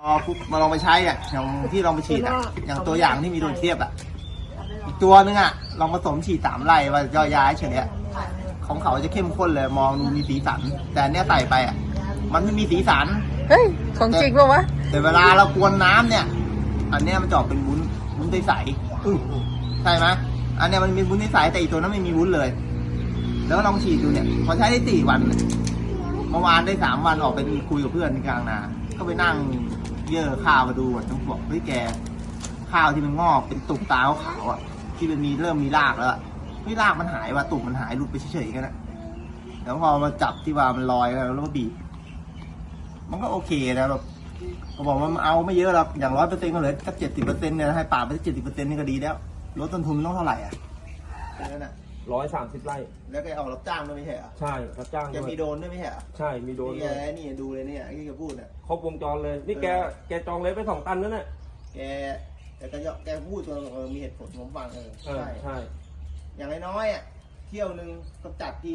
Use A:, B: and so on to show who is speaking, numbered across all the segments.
A: ปุ๊บมาลองไปใช้อ่ะอย่างที่ลองไปฉีดอ่ะอย่างตัวอย่างที่มีโดนเทียบอ่ะอีกตัวนึงอ่ะลองผสมฉีด3 ไร่ว่าย่อยย้ายเฉยๆของเขาจะเข้มข้นเลยมองดูมีสีสันแต่เนี้ยใส่ไปอ่ะมันไม่มีสีสัน
B: เฮ้ยของจริงป่ะวะ
A: แต่เวลาเรากวนน้ำเนี่ยอันเนี้ยมันจะออกเป็นวุ้นใสๆใช่ไหมอันเนี้ยมันมีวุ้นใสแต่อีกตัวนั้นไม่มีวุ้นเลยแล้วลองฉีดดูเนี่ยพอใช้ได้4 วันเมื่อวานได้3 วันออกไปคุยกับเพื่อนที่กลางนาก็ไปนั่งเยื่อข้าวมาดูอ่ะต้องบอกเฮ้ยแกข้าวที่มันงอกเป็นตุ่มตาขาวอ่ะที่มันเริ่มมีรากแล้วไม่รากมันหายว่ะตุ่มมันหายหลุดไปเฉยๆกันนะแล้วพอมาจับที่ว่ามันลอยแล้วก็บีบมันก็โอเคนะแบบเขาบอกว่ามันเอาไม่เยอะหรอกอย่าง100%ก็เหลือแค่70%เนี่ยให้ป่าไป70%นี่ก็ดีแล้วลดต้นทุนต้องเท่าไหร่อ่ะนั่นน่ะ
C: 130 ไร่
A: แล้วแกออกรับจ้างด้วยไม่ใช่เหรอ
C: ใช่รับจ้าง
A: แกมีโดนด้วยไม่ใช่เหรอ
C: ใช่มีโดน
A: นี่ดูเลยเนี่ยที่แกพูดเนี่ย
C: ครบวงจรเลยนี่แกจองเลยไป2 ตันนั่นแหละ
A: แกพูดตัวมีเหตุผลผมฟัง
C: ใช่
A: อย่างน้อยๆอ่ะเที่ยวนึงกำจัดที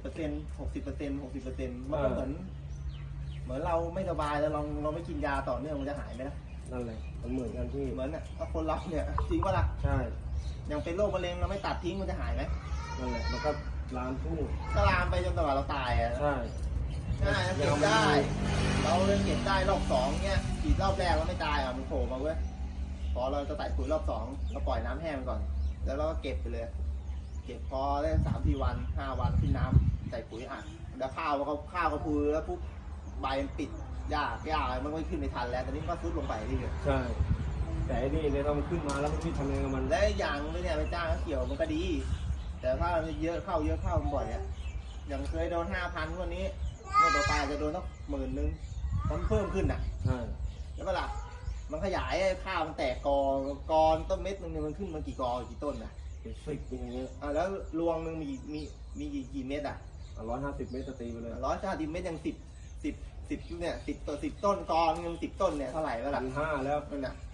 A: 60%มันก็เหมือนเราไม่สบายแล้วเราไม่กินยาต่อเนื่องมันจะหายไหมล่ะ
C: นั่นเลยมันเหมือนกันที่
A: เหมือนอ่ะถ้าคนเราเนี่ยจริงป่ะล่ะ
C: ใช่
A: อย่างเป็นโรคมะเร็งเราไม่ตัดทิ้งมันจะหายไหม
C: นั่นแหละมันก็ลามทุ่ง
A: ก็ลามไปจนตลอดเราตายอ่ะ
C: ใช่
A: เก็บได้เราเก็บได้รอบ2เนี่ยฉีดรอบแรกเราไม่ตายอ่ะมันโผล่มาเว้ยพอเราจะใส่ปุ๋ยรอบ2เราปล่อยน้ำแห้งก่อนแล้วเราก็เก็บไปเลยเก็บพอได้3-4 วัน5 วันขึ้นน้ำใส่ปุ๋ยอัดแล้วข้าวก็พูแล้วปุ๊บใบมันปิดหญ้าอะไรมันไม่ขึ้นไม่ทันแล้วตอนนี้ก็ซุดลงไปนี่เลย
C: ใช่แต่นี่เนี่ยเรามันขึ้นมาแล้วมันทำยังไงกับมัน
A: และอย่างนี้เนี่ยไปจ้างเกี่ยวมันก็ดีแต่ถ้าเยอะเข้ามันบ่อยอ่ะอย่างเคยโดน5,000วันนี้เมื่อต่อไปจะโดนสัก10,000มันเพิ่มขึ้นอ่ะ
C: ใช่
A: แล้วก็ล่ะมันขยายข้าวมันแตกกอต้นเม็ดนึงมันขึ้นมากี่ต้นนะ
C: เป็น10อย่างเงี้ย
A: แล้วรวงนึงมีกี่เม็ดอ่ะ
C: 150 เมตรตีไปเลย
A: 150 เม็ดยัง10เนี่ย10 ต้นกอนึง10 ต้นเนี่ยเท่าไหร่แล้วล่ะ
C: 1,500แล้ว
A: นั่นน่ะ